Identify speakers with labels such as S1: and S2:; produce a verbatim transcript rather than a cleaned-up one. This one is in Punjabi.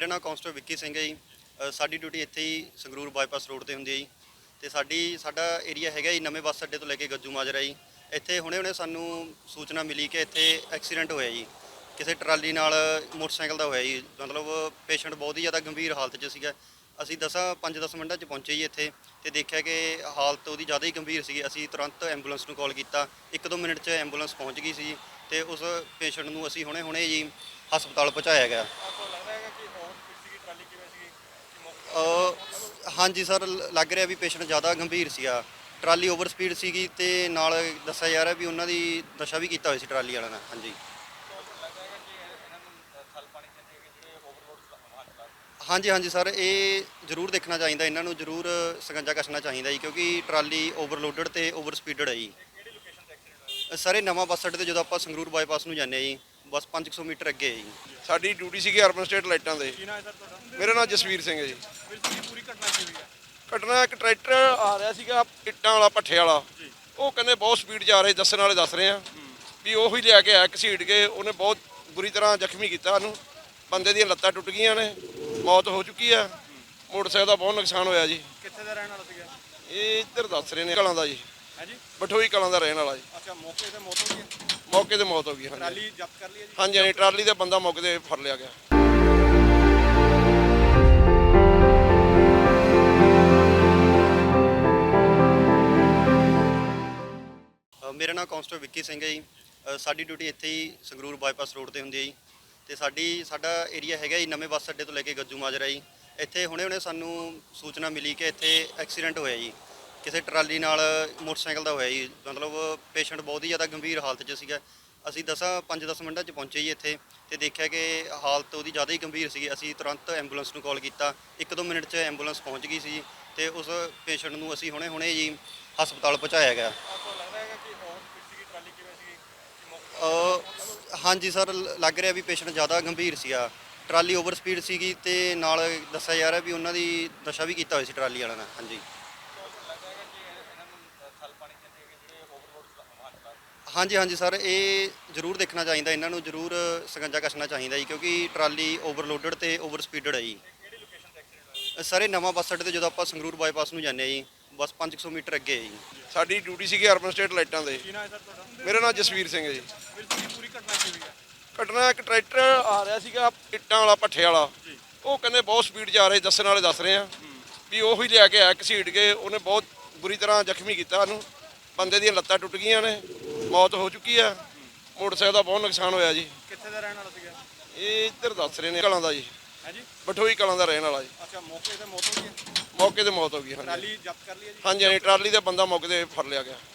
S1: ਮੇਰਾ ਨਾਮ ਕਾਂਸਟੇਬਲ ਵਿੱਕੀ ਸਿੰਘ ਹੈ ਜੀ। ਅ, ਸਾਡੀ ਡਿਊਟੀ ਇੱਥੇ ਹੀ ਸੰਗਰੂਰ ਬਾਈਪਾਸ ਰੋਡ ਤੇ ਹੁੰਦੀ ਹੈ ਜੀ। ਤੇ ਸਾਡੀ ਸਾਡਾ ਏਰੀਆ ਹੈਗਾ ਜੀ ਨਵੇਂ ਬੱਸ ਅੱਡੇ ਤੋਂ ਲੈ ਕੇ ਗੱਜੂ ਮਾਜਰਾ ਜੀ। ਇੱਥੇ ਹੁਣੇ ਹੁਣੇ ਸਾਨੂੰ ਸੂਚਨਾ ਮਿਲੀ ਕਿ ਇੱਥੇ ਐਕਸੀਡੈਂਟ ਹੋਇਆ ਜੀ, ਕਿਸੇ ਟਰਾਲੀ ਨਾਲ ਮੋਟਰਸਾਈਕਲ ਦਾ ਹੋਇਆ ਜੀ। ਮਤਲਬ ਪੇਸ਼ੈਂਟ ਬਹੁਤ ਹੀ ਜ਼ਿਆਦਾ ਗੰਭੀਰ ਹਾਲਤ 'ਚ ਸੀਗਾ। ਅਸੀਂ ਦਸਾਂ ਪੰਜ ਦਸ ਮਿੰਟਾਂ 'ਚ ਪਹੁੰਚੇ ਜੀ ਇੱਥੇ ਤੇ ਦੇਖਿਆ ਕਿ ਹਾਲਤ ਉਹਦੀ ਜ਼ਿਆਦਾ ਹੀ ਗੰਭੀਰ ਸੀਗੀ। ਅਸੀਂ ਤੁਰੰਤ ਐਂਬੂਲੈਂਸ ਨੂੰ ਕਾਲ ਕੀਤਾ, ਇੱਕ ਦੋ ਮਿੰਟ 'ਚ ਐਂਬੂਲੈਂਸ ਪਹੁੰਚ ਗਈ ਸੀ ਤੇ ਉਸ ਪੇਸ਼ੈਂਟ ਨੂੰ ਅਸੀਂ ਹੁਣੇ ਹੁਣੇ ਜੀ ਹਸਪਤਾਲ ਪਹੁੰਚਾਇਆ ਗਿਆ। ਅ, ਹਾਂਜੀ ਸਰ, ਲ- ਲੱਗ ਰਿਹਾ ਵੀ ਪੇਸ਼ੈਂਟ ਜ਼ਿਆਦਾ ਗੰਭੀਰ ਸੀਗਾ। ਟਰਾਲੀ ਓਵਰ ਸਪੀਡ ਸੀਗੀ ਤੇ ਨਾਲ ਦੱਸਿਆ ਜਾ ਰਿਹਾ ਵੀ ਉਹਨਾਂ ਦੀ ਨਸ਼ਾ ਵੀ ਕੀਤਾ ਹੋਇਆ ਸੀ ਟਰਾਲੀ ਵਾਲਿਆਂ ਨੇ। ਹਾਂਜੀ ਹਾਂਜੀ ਹਾਂਜੀ ਸਰ, ਇਹ ਜ਼ਰੂਰ ਦੇਖਣਾ ਚਾਹੀਦਾ, ਇਹਨਾਂ ਨੂੰ ਜ਼ਰੂਰ ਸਕੰਜਾ ਕੱਸਣਾ ਚਾਹੀਦਾ ਜੀ, ਕਿਉਂਕਿ ਟਰਾਲੀ ਓਵਰਲੋਡਡ ਤੇ ਓਵਰ ਸਪੀਡਡ ਹੈ ਜੀ। ਸਰ ਇਹ ਨਵਾਂ ਬੱਸ ਅੱਡੇ ਤੇ ਜਦੋਂ ਆਪਾਂ ਸੰਗਰੂਰ ਬਾਈਪਾਸ ਨੂੰ ਜਾਂਦੇ ਹਾਂ ਜੀ, ਬਸ ਪੰਜ ਸੌ ਮੀਟਰ ਅੱਗੇ ਹੈ ਜੀ।
S2: ਸਾਡੀ ਡਿਊਟੀ ਸੀਗੀ ਅਰਬਨ ਸਟੇਟ ਲਾਈਟਾਂ ਦੇ।
S3: ਕੀ ਨਾਮ ਹੈ ਸਰ ਤੁਹਾਡਾ?
S2: ਮੇਰਾ ਨਾਮ ਜਸਵੀਰ ਸਿੰਘ ਹੈ ਜੀ।
S3: ਵੀਰ ਜੀ, ਪੂਰੀ ਘਟਨਾ ਕੀ ਹੋਈ ਹੈ?
S2: ਘਟਨਾ ਇੱਕ ਟਰੈਕਟਰ ਆ ਰਿਹਾ ਸੀਗਾ ਇੱਟਾਂ ਵਾਲਾ ਭੱਠੇ ਵਾਲਾ, ਉਹ ਕਹਿੰਦੇ ਬਹੁਤ ਸਪੀਡ 'ਚ ਆ ਰਹੇ, ਦੱਸਣ ਵਾਲੇ ਦੱਸ ਰਹੇ ਆ ਵੀ ਉਹੀ ਲਿਆ ਕੇ ਆਇਆ ਘਸੀਟ ਕੇ। ਉਹਨੇ ਬਹੁਤ ਬੁਰੀ ਤਰ੍ਹਾਂ ਜ਼ਖਮੀ ਕੀਤਾ ਉਹਨੂੰ, ਬੰਦੇ ਦੀਆਂ ਲੱਤਾਂ ਟੁੱਟ ਗਈਆਂ ਨੇ, ਮੌਤ ਹੋ ਚੁੱਕੀ ਆ। ਮੋਟਰਸਾਈਕਲ ਦਾ ਬਹੁਤ ਨੁਕਸਾਨ ਹੋਇਆ ਜੀ।
S3: ਕਿੱਥੇ ਦਾ ਰਹਿਣ ਵਾਲਾ ਸੀਗਾ?
S2: ਇਹ ਇੱਧਰ ਦੱਸ ਰਹੇ ਨੇ ਕਲਾਂ ਦਾ ਜੀ,
S3: ਹੈ ਜੀ।
S2: ਬਠੋਈ ਕਲਾਂ ਦਾ ਰਹਿਣ ਵਾਲਾ ਜੀ।
S3: ਅੱਛਾ, ਮੌਕੇ ਤੇ ਮੌਤ ਹੋ ਗਈ ਹੈ?
S2: ਮੌਕੇ ਤੇ ਮੌਤ ਹੋ ਗਈ। ਹਾਂਜੀ
S3: ਟਰਾਲੀ ਜ਼ਬਤ ਕਰ ਲਈ ਹੈ ਜੀ?
S2: ਹਾਂਜੀ ਹਾਂਜੀ, ਟਰਾਲੀ ਦਾ ਬੰਦਾ ਮੌਕੇ ਤੇ ਫੜ ਲਿਆ ਗਿਆ।
S1: ਅ, ਮੇਰਾ ਨਾਮ ਕਾਂਸਟੇਬਲ ਵਿੱਕੀ ਸਿੰਘ ਹੈ ਜੀ। ਅ, ਸਾਡੀ ਡਿਊਟੀ ਇੱਥੇ ਹੀ ਸੰਗਰੂਰ ਬਾਈਪਾਸ ਰੋਡ ਤੇ ਹੁੰਦੀ ਹੈ ਜੀ। ਤੇ ਸਾਡੀ ਸਾਡਾ ਏਰੀਆ ਹੈਗਾ ਜੀ ਨਵੇਂ ਬੱਸ ਅੱਡੇ ਤੋਂ ਲੈ ਕੇ ਗੱਜੂ ਮਾਜਰਾ ਜੀ। ਇੱਥੇ ਹੁਣੇ ਹੁਣੇ ਸਾਨੂੰ ਸੂਚਨਾ ਮਿਲੀ ਕਿ ਇੱਥੇ ਐਕਸੀਡੈਂਟ ਹੋਇਆ ਜੀ, ਕਿਸੇ ਟਰਾਲੀ ਨਾਲ ਮੋਟਰਸਾਈਕਲ ਦਾ ਹੋਇਆ ਜੀ। ਮਤਲਬ ਪੇਸ਼ੈਂਟ ਬਹੁਤ ਹੀ ਜ਼ਿਆਦਾ ਗੰਭੀਰ ਹਾਲਤ 'ਚ ਸੀਗਾ। ਅਸੀਂ ਦਸਾਂ ਪੰਜ ਦਸ ਮਿੰਟਾਂ 'ਚ ਪਹੁੰਚੇ ਜੀ ਇੱਥੇ ਤੇ ਦੇਖਿਆ ਕਿ ਹਾਲਤ ਉਹਦੀ ਜ਼ਿਆਦਾ ਹੀ ਗੰਭੀਰ ਸੀਗੀ। ਅਸੀਂ ਤੁਰੰਤ ਐਂਬੂਲੈਂਸ ਨੂੰ ਕਾਲ ਕੀਤਾ, ਇੱਕ ਦੋ ਮਿੰਟ 'ਚ ਐਂਬੂਲੈਂਸ ਪਹੁੰਚ ਗਈ ਸੀ ਤੇ ਉਸ ਪੇਸ਼ੈਂਟ ਨੂੰ ਅਸੀਂ ਹੁਣੇ ਹੁਣੇ ਜੀ ਹਸਪਤਾਲ ਪਹੁੰਚਾਇਆ ਗਿਆ।
S3: आपको लग रहा है कि और स्पीड की ट्राली की वजह से कि मौके
S1: ਅ, ਹਾਂਜੀ ਸਰ, ਲ- ਲੱਗ ਰਿਹਾ ਵੀ ਪੇਸ਼ੈਂਟ ਜ਼ਿਆਦਾ ਗੰਭੀਰ ਸੀਗਾ। ਟਰਾਲੀ ਓਵਰ ਸਪੀਡ ਸੀਗੀ ਤੇ ਨਾਲ ਦੱਸਿਆ ਜਾ ਰਿਹਾ ਵੀ ਉਹਨਾਂ ਦੀ ਨਸ਼ਾ ਵੀ ਕੀਤਾ ਹੋਇਆ ਸੀ ਟਰਾਲੀ ਵਾਲਿਆਂ ਨੇ। ਹਾਂਜੀ ਹਾਂਜੀ ਹਾਂਜੀ ਸਰ, ਇਹ ਜ਼ਰੂਰ ਦੇਖਣਾ ਚਾਹੀਦਾ, ਇਹਨਾਂ ਨੂੰ ਜ਼ਰੂਰ ਸਕੰਜਾ ਕੱਸਣਾ ਚਾਹੀਦਾ ਜੀ, ਕਿਉਂਕਿ ਟਰਾਲੀ ਓਵਰਲੋਡਡ ਤੇ ਓਵਰ ਸਪੀਡਡ ਹੈ ਜੀ। ਸਰ ਇਹ ਨਵਾਂ ਬੱਸ ਅੱਡੇ ਤੇ ਜਦੋਂ ਆਪਾਂ ਸੰਗਰੂਰ ਬਾਈਪਾਸ ਨੂੰ ਜਾਂਦੇ ਹਾਂ ਜੀ, ਬਸ ਪੰਜ ਸੌ ਮੀਟਰ ਅੱਗੇ ਹੈ ਜੀ।
S2: ਸਾਡੀ ਡਿਊਟੀ ਸੀਗੀ ਅਰਬਨ ਸਟੇਟ ਲਾਈਟਾਂ ਦੇ।
S3: ਕੀ ਨਾਮ ਹੈ ਸਰ ਤੁਹਾਡਾ?
S2: ਮੇਰਾ ਨਾਮ ਜਸਵੀਰ ਸਿੰਘ ਹੈ ਜੀ।
S3: ਵੀਰ ਜੀ, ਪੂਰੀ ਘਟਨਾ ਕੀ ਹੋਈ ਹੈ?
S2: ਘਟਨਾ ਇੱਕ ਟਰੈਕਟਰ ਆ ਰਿਹਾ ਸੀਗਾ ਇੱਟਾਂ ਵਾਲਾ ਭੱਠੇ ਵਾਲਾ, ਉਹ ਕਹਿੰਦੇ ਬਹੁਤ ਸਪੀਡ 'ਚ ਆ ਰਹੇ, ਦੱਸਣ ਵਾਲੇ ਦੱਸ ਰਹੇ ਆ ਵੀ ਉਹੀ ਲਿਆ ਕੇ ਆਇਆ ਘਸੀਟ ਕੇ। ਉਹਨੇ ਬਹੁਤ ਬੁਰੀ ਤਰ੍ਹਾਂ ਜ਼ਖਮੀ ਕੀਤਾ ਉਹਨੂੰ, ਬੰਦੇ ਦੀਆਂ ਲੱਤਾਂ ਟੁੱਟ ਗਈਆਂ ਨੇ, ਮੌਤ ਹੋ ਚੁੱਕੀ ਆ। ਮੋਟਰਸਾਈਕਲ ਦਾ ਬਹੁਤ ਨੁਕਸਾਨ ਹੋਇਆ ਜੀ।
S3: ਕਿੱਥੇ ਦਾ ਰਹਿਣ ਵਾਲਾ ਸੀਗਾ?
S2: ਇਹ ਇੱਧਰ ਦੱਸ ਰਹੇ ਨੇ ਕਲਾਂ ਦਾ ਜੀ,
S3: ਹੈ ਜੀ।
S2: ਬਠੋਈ ਕਲਾਂ ਦਾ ਰਹਿਣ ਵਾਲਾ ਜੀ।
S3: ਅੱਛਾ, ਮੌਕੇ ਤੇ ਮੌਤ ਹੋ ਗਈ ਹੈ?
S2: ਮੌਕੇ ਤੇ ਮੌਤ ਹੋ ਗਈ। ਹਾਂਜੀ
S3: ਟਰਾਲੀ ਜ਼ਬਤ ਕਰ ਲਈ ਹੈ ਜੀ?
S2: ਹਾਂਜੀ ਹਾਂਜੀ, ਟਰਾਲੀ ਦਾ ਬੰਦਾ ਮੌਕੇ ਤੇ ਫੜ ਲਿਆ ਗਿਆ।